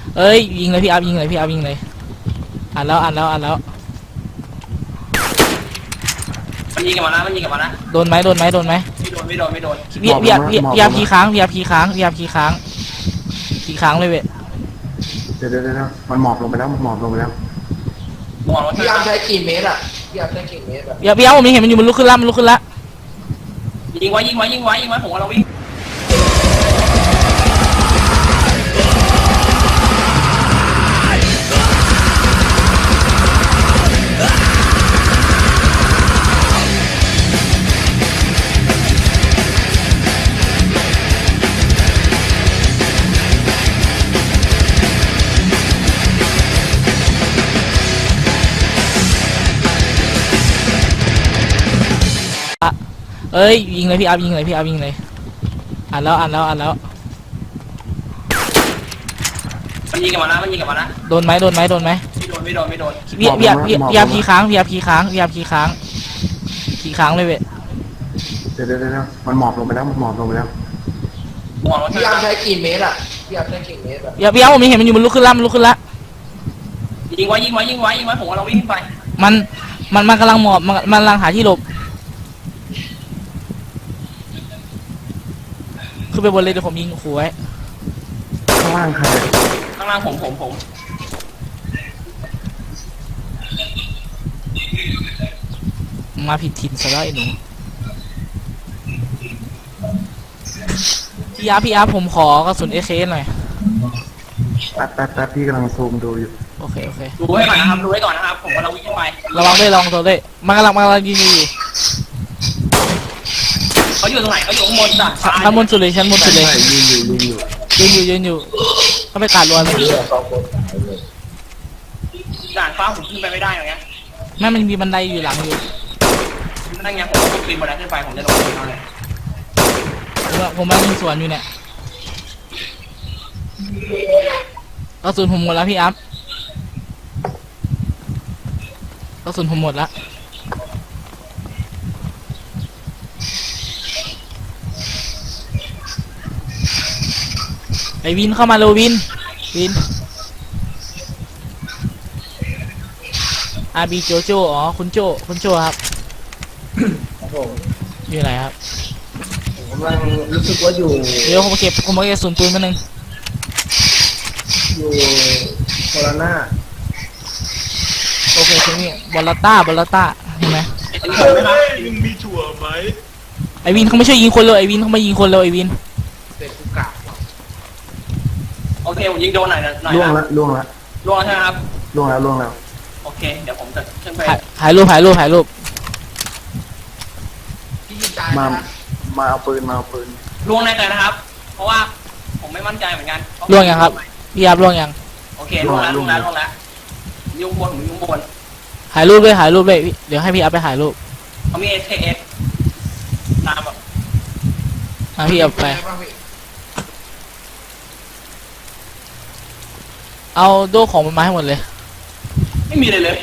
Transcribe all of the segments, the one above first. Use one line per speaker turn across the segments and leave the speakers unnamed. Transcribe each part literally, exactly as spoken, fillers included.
เอ้ยยิงเลยพี่อัพยิงเลยพี่อัพยิงเลยอ่านแล้วอ่านแล้วอ่านแล้ว
มันยิงกันมานะมันยิงกันมานะ
โดนไหมโดนไหมโดนไหม
ไม่โดนไม่โดนไม่โดน
พี่พี่อัพพี่พี่อัพพีค้างพี่อัพพีค้างพี่อัพพีค้างพีค้างเลยเว้ย
เดี๋ยวเดี๋ยวเดี๋ยวมันหมอบลงไปแล้วมันหมอบลงไปแล้ว
มองรถ
พี่อัพใช้กี่เมตรอ่ะพี่อัพใช้กี่เมตรอ่ะ
พี่อัพพี่อัพผมเห็นมันอยู่มันลุกขึ้นละมันลุกขึ้นละ
ยิงไว้ยิงไว้ยิงไว้ยิงไว้ผมว่าเราวิ่ง
เอ้ยยิงเลยพี่อัพยิงเลยพี่อัพยิงเลยอ่านแล้วอ่านแล้วอ่านแล้ว
มันยิงกันมานะมันยิงกันมานะ
โดนไหมโดนไหมโดนไหม
ไม่โดนไม่โดนไม่โดน
พี่พี่พี่พี่อัพพีค้างพี่อัพพีค้างพี่อัพพีค้างพีค้างเลยเว้ย
เดี๋ยวเดี๋ยวเดี๋ยวมันหมอบลงไปแล้วมันหมอบลงไปแล้ว
มองรถ
พี่อัพใช้กี่เมตรอ่ะพี่อัพใช้กี่เมตรอ่ะ
พี่อัพพี่อัพผมเห็นมันอยู่มันลุกขึ้นละมันลุกขึ้นละ
ยิงไว้ยิงไว้ยิงไว้ยิงไว้ผมว่าเราวิ่งไป
มันมันมันกำลังหมอบมันมันกำลังหาที่หลบขึ้นไปบนเลยเดี๋ยวผมยิงขู่ไว้
ข้างล่างใคร
ข้างล่างผมผมผม
มาผิดถิ่นซะแล้วไอ้หนูพี่อาร์พี่อาร์ผมขอกระสุนเอเคหน่อย
แป๊บแป๊บแป๊บพี่กำลังซูมดูอยู่
โอเคโอเค
ดูไว้ก่อนนะครับดูไว้ก่อนนะครับผมว่าเราวิ่งไประ
วังด้วยระวังตัวด้วยมันกำลังมันกำลังยิงอยู่
เขาอยู่ตรงไหนเขาอยู่ข้างบนจ้ะ
ชั้นบนสุดเลยชั้นบนสุดเลย
ยืนอยู่ยืนอยู่
ยืนอยู่ยืนอยู่เขาไปกาดรัวเลย
ด่านฟ้าผมขึ้นไปไม่ได้อย่างเงี้ย
แม่มันมีบันไดอยู่หลังอยู่
นั่นไงผมต้องปีนบันไดขึ้นไปผมจะลงไปเอาเลย
ผมผมมายิงสวนอยู่เนี่ยกระสุนผมหมดแล้วพี่อัพกระสุนผมหมดแล้วไอวินเข้ามาเร็ววินวินอาบีโจโจอ๋อคุณโจคุณโจครับ
ครับผม
อยู่ไหนครับ
ผมกำลังรู้สึกว่าอยู่
เดี๋ยวผมเก็บผมเก็บศูนย์ปืนมาหนึ่ง
อยู่โคราช
โอเคทีนี้บอลลาต้าบอลลาต้าเห็นไหม
มึงมีถั่วไหม
ไอวินเขาไม่ช่วยยิงคนเลยไอวินเขาไม่ยิงคนเลยไอวิน
เด็กกุกะ
โอเคผมยิงโดนหน่อยหน่อย
ล่วงละล่วงละ
ล่วงใช่ไหมครับ
ล่วงแล้วล่วงแล้ว
โอเคเดี๋ยวผมจะขึ้นไป
ถ่ายรูปถ่ายรูปถ่ายรูป
มามาเอาปืนมาเอาปืน
ล่วงแน่เลยนะครับเพราะว่าผมไม่มั่นใจเหมือนกัน
ล่วงยังครับพี่ยับล่วงยัง
โอเคล่วงแล้วล่วงแล้วล่วงแล้วยุ่งบนผมยุ่งบน
ถ่ายรูปด้วยถ่ายรูปด้วยเดี๋ยวให้พี่อัพไปถ่ายรูป
เขามี เอส เค เอส ตามแบบ
อ่ะพี่อัพไปเอาโดของมันมาให้หมดเลย
ไม่มีเลยเลย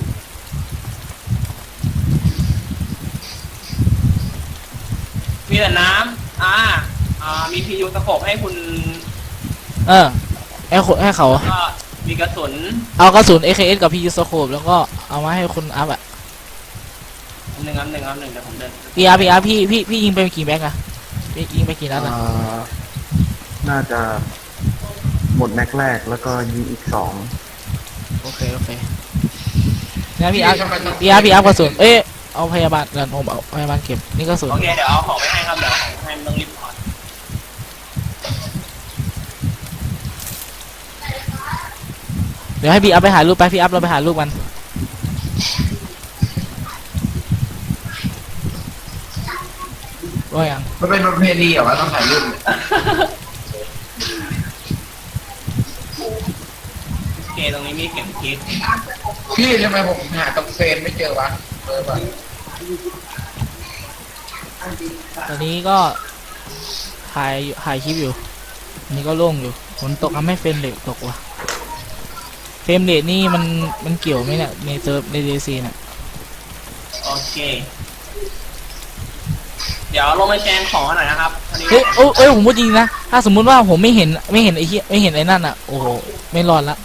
มีแต่น้ำอ่าอ่ามีพียูสโคปให้คุณ
เออให้คนให้เขา
ก็มีกระสุน
เอากระสุน เอ เค เอส กับพียูสโคปแล้วก็เอามาให้คุณอัพอ่ะ
หนึ่งอันหนึ่งอันหนึ่งเดี๋ยวผมเดิน
พี่อัพพี่อัพพี่พี่พี่ยิงไปกี่แม็กอะพี่ยิงไปกี่นัดอะ
น่าจะหมดแม็กแรกแล้วก็ยิงอีกสอง
โอเคโอเคงั้นพี่อัพพี่อัพพี่อัพกระสุนเอ๊ะเอาพยาบาลเดี๋ยวผมเอาพยาบาลเก็บนี่กระสุน
โอเคเดี๋ยวเอาของไปให้ครับเดี๋ยวเอาของให้มันต้องรีบถอด
เดี๋ยวให้พี่อัพไปถ่ายรูปไปพี่อัพเราไปถ่ายรูปมันว่าอย่าง
มันเป็นประเพณีเหรอวะต้องถ่ายรูป
โอเคตรงนี้มีเข็มทิศ
พี่ทำไมผมหาตรงเฟรมไม่เจอวะเจอปะ
ตอนนี้ก็ถ่ายถ่ายคลิปอยู่อันนี้ก็โล่งอยู่ฝนตกทำให้เฟรมเรทตกว่ะเฟรมเรทนี่มันมันเกี่ยวไหมเนี่ยในเซิร์ฟในเดซีเนี่ย
โอเคเดี๋ยวลงไปแชร์ของหน่อยนะครับ
เฮ้ยโอ้ยผมพูดจริงนะถ้าสมมุติว่าผมไม่เห็นไม่เห็นไอ้เหี้ยไม่เห็นไอ้นั่นอ่ะโอ้โหไม่รอดละ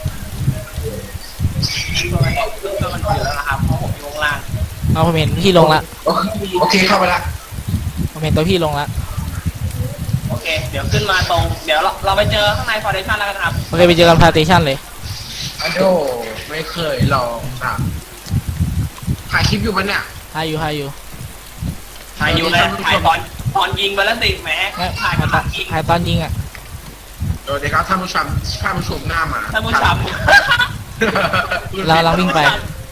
ตัวมันตกเครื่องตัวมันอยู่แล้วนะครับเพราะผมอยู่ข้างล่าง
เอาผมเห็นพี่ลงละ
โอโอเคเข้าไปละ
ผมเห็นตัวพี่ลงละ
โอเค เดี๋ยวขึ้นมาตรง เดี๋ยวเราเราไปเจอข้างในฟอร์เดชั่นแล้วกันครับ
โอเคไปเจอกันพาเตชันเลย
อะโดไม่เคยลองอ่ะถ่ายคลิปอยู่ปะเนี่ย
ถ่ายอยู่ถ่ายอยู่
ถ่ายอยู่เลยถ่ายตอนตอนยิงไปแล้วสิแหม
ไม่
ถ่าย
ถ่าย
กำ
ต
ลั
อน
งยิง
ถ่ายตอนยิงอ่ะ
สวัสดีครับท่านผู้ชมท่านผู้ชมหน้ามา
ท่านผู้ชม
เราเราวิ่งไป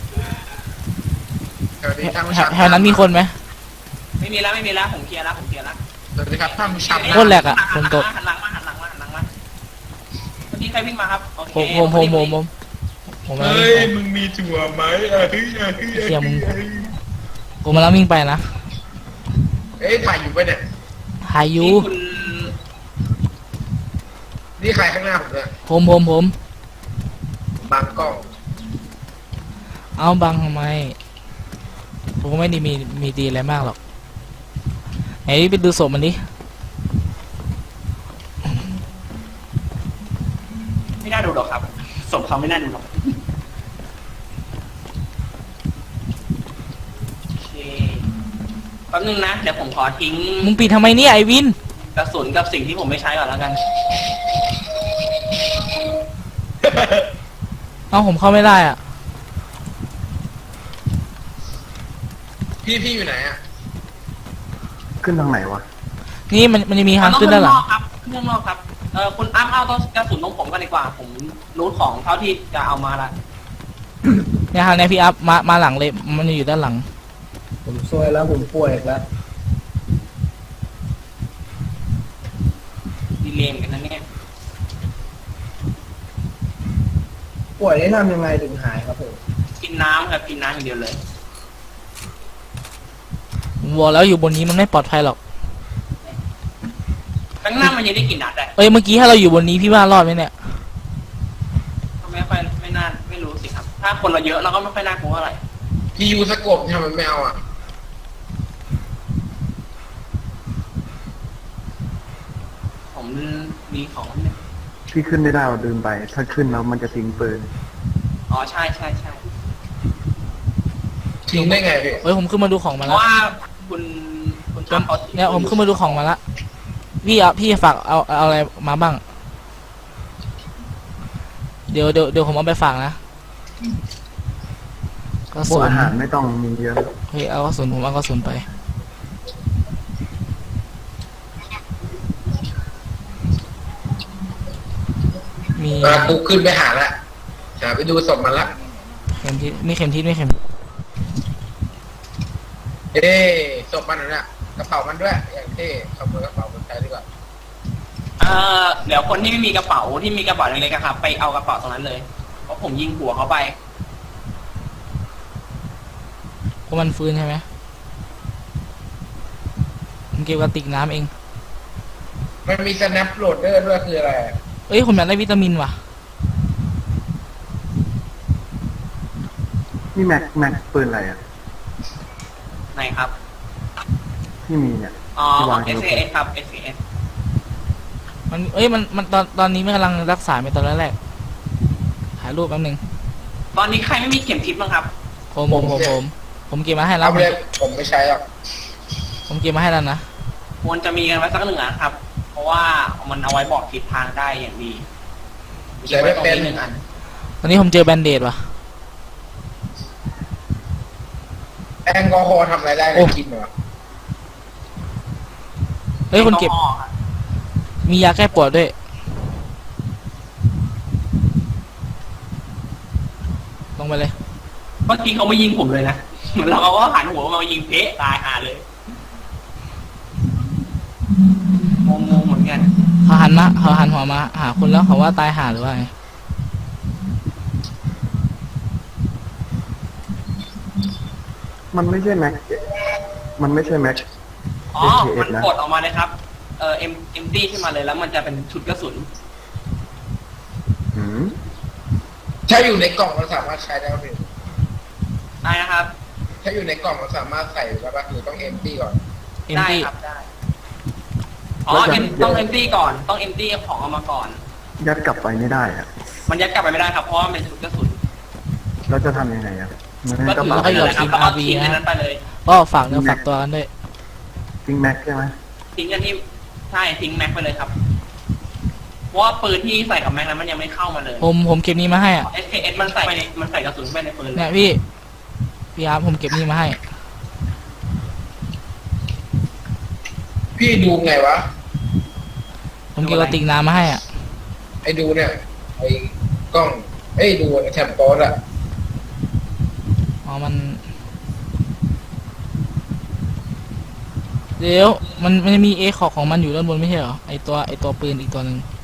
สวัสดีท่านผู้
แถ
ช
ว
ม
แถวนั้นมีคนไหม
ไม่มีแล้วไม่มีแล้วผมเคลียร์แล้วผมเคลียร์แล้ว
สวัสดีครับท่านผู้ชม
โคตรแหลกอะฝนตก
หันหลังมาหันหลังมาหันหลังมาเมื่อกี้ใครวิ่งมาครับโอเค
ผมผมผมผมผมผมกำลัง
เฮ้
วิ่ง
ย
ไป
มึงมีถั่วไหมเอ้ยเอ้ยเอ้ย
เหี้ยมึง ผมกำลังวิ่งไปนะ
เอ้ยถ่ายอยู่ปะเนี่ย
ถ่ายอยู่
นี่คุณ
นี่ใครข้างหน้าผมเนี่ย
ผมผมผม
บางกล้อง
เอาบังทำไม ผมก็ไม่ได้มีมีดีอะไรมากหรอกไหนไปดูศพมันดิ
ไม่น่าดูหรอกครับสมเขาไม่น่าดูหรอกโอเคแป๊บนึงนะเดี๋ยวผมขอทิ้ง
มึงปิดทำไมเนี่ยไอวิน
กระสุนกับสิ่งที่ผมไม่ใช้ก่อนแล้วกัน
เอาผมเข้าไม่ได้อ่ะ
พี่พี่อยู่ไหนอ่ะ
ขึ้นทางไหนวะ
นี่มันมันจะมีทาง
ต้อง
ขึ้นด้านหลัง
ข้างนอกครับขึ้นข้างนอกครับเออคุณอ้ำเอาต้องกระสุนตรงผมกันดีกว่า ผมรู้ของเท่าที่จะเอามาละ
เนี่ยทางเนี้ยพี่อัพมามาหลังเลยมันอยู่ด้านหลัง
ผมซวยแล้วผมป่วยอีกแล้ว
ดีเลมกันนะเนี่ย
ป่วยได้ทำยังไงถึงหายครับผม
กินน้ำครับกินน้ำอย่างเดียวเลย
ผมบอกแล้วอยู่บนนี้มันไม่ปลอดภัยหรอก
ข้างหน้ามันยังได้กลินนัดเลย
เอ้ยเมื่อกี้ถ้าเราอยู่บนนี้พี่ว่ารอดไหมเนี่ย
ไม่ค่อยไม่น่าไม่รู้สิครับ ถ้าคนเราเยอะเราก็ไม่ค่อยน่ากลัวอะไร
พี่ยูสกบทำไมไม่เอาอ่ะ
ผมมีของเนี่ย
พี่ขึ้นไม่ได้ว่าลืมไป ถ้าขึ้นแล้วมันจะทิ้งปืน
อ๋อใช่ใช่ใช่
ทิ้งได้ไงพี่
เอ้ยผมขึ้นมาดูของ
เพ
มาแล้ว
ราะว่าคุณคุณอ้ำเขา
เนี่ยผมขึ้นมาดูของมาละพี่อ่ะพี่ฝากเอาเอาอะไรมาบ้าง เดี๋ยวเดี๋ยวเดี๋ยวผมเอาไปฝากนะกระ
พว
สุ
ก
น
อาหารไม่ต้องมีเยอะ
เฮ้ยเอากระสุนผมเอากระสุนไป มี
เออกูขึ้นไปหาละหาไปดูศพมันละ
เข็มทิศไม่เข็มทิศไม่เข็ม
เอ้ยศพมันน่ะกระเป๋ามันด้วย อย่างเท่ขโมยกระเป๋ามันใช้ดีกว่า
เอ่อเดี๋ยวคนที่ไม่มีกระเป๋าที่มีกระเป๋าเล็กๆอะครับ ไปเอากระเป๋าตรงนั้นเลยเพราะผมยิงหัวเขาไป
เพราะมันฟื้นใช่ไหมผมเก็บกระติกน้ำเอง
มันมี snap loader ด้วยคืออะไร
เอ้ยผมอยากได้วิตามินว่ะ
นี่แม็กแม็กปืนอะไรอ่ะ
ไหนครับ
ที่มีเนี่ย
อ๋อ
ที่วาง
เอสเอสครับ เอสเอส
มันเอ้ยมันมันตอนตอนนี้ไม่กำลังรักษาไปตอนแรกๆถ่ายรูปแป๊บนึง
ตอนนี้ใครไม่มีเข็มทิศบ้างครับ
ผมผมผมผมผมเก็บมาให้แล้
เอา
ว
ไปเลยผมไม่ใช้หรอก
ผมเก็บมาให้แล้วนะ
ควรจะมีกันไว้สักหนึ่งอันครับ เพราะว่ามันเอาไว้บอกทิศทางได้อย่างดี
ใช้ไม่เป็น
หนึ่งอัน
ตอนนี้ผมเจอแบนเดดว่ะ
แอลกอฮอล์ทำอะไรได้
โอ้
นะกินเหรอ
เฮ้ยคนเก็บ
แอลกอฮอล์ครับ
มียาแก้ปวดด้วย ลงไปเลย
เมื่อกี้เขาไม่ยิงผมเลยนะเหมือนเราก็หันหัวมายิงเพะตายหาเลยงงๆเหมือนกัน
เขาหันมาเขาหันหัวมาหาคุณแล้วเขาว่าตายหาหรือว่าไง
มันไม่ใช่แม็ก มันไม่ใช่แม็ก
อ๋อ
เอส
มัน
นะ
กดออกมาเลยครับ เอ่อเอ็มเอ็มตี้ขึ้นมาเลยแล้วมันจะเป็นชุดกระสุน
หืม
ถ้าอยู่ในกล่องเราสามารถใช้ได้ไหม
ได้นะครับ
ถ้าอยู่ในกล่องเราสามารถใส่ได้ปะหรือต้องเอ็มตี้ก่อน
เอ็ม
ได้
ตี้
ครับได้ อ๋อ M ต้องเอ็มตี้ก่อน ต้องเอ็มตี้ของเอามาก่อน
ยัดกลับไปไม่ได้อะ
มันยัดกลับไปไม่ได้ครับเพราะว่ามันเป็นกระสุน
เราจะทำยังไงอะมันให้
ก็
กระ
ถือ
เป๋า
ไปเลยครับแล้วก็ทิ้งในนั้นไปเลย
ก็ฝากเนื้อฝากตัวกันด้วย
ทิ้งแม็กใช่ไหม
ทิ้งกันที่ใช่ทิ้งแม็กไปเลยครับเพราะว่าปืนที่ใส่กับแม็กนั้นมันยังไม่เข้ามาเลย
ผมผมเก็บนี้มาให้อ่ะ
เอสเคเอสมันใส่ไปในมันใส่กระสุนไปในปืนเล
เนี่ย
ย
พี่พี่อาร์ตผมเก็บนี้มาให้
พี่ดูไงวะ
ผมเก็บกระติกน้ำมาให้อ่ะ
ไอ้ดูเนี่ยไอ้กล้องไอ้ดูแถบโต๊ดอะ
อ๋อมันเดี๋ยวมันมันจะมีเอขอกของมันอยู่ด้านบนไม่ใช่เหรอไอตัวไอตัวปืนอีกตัวหนึ่ง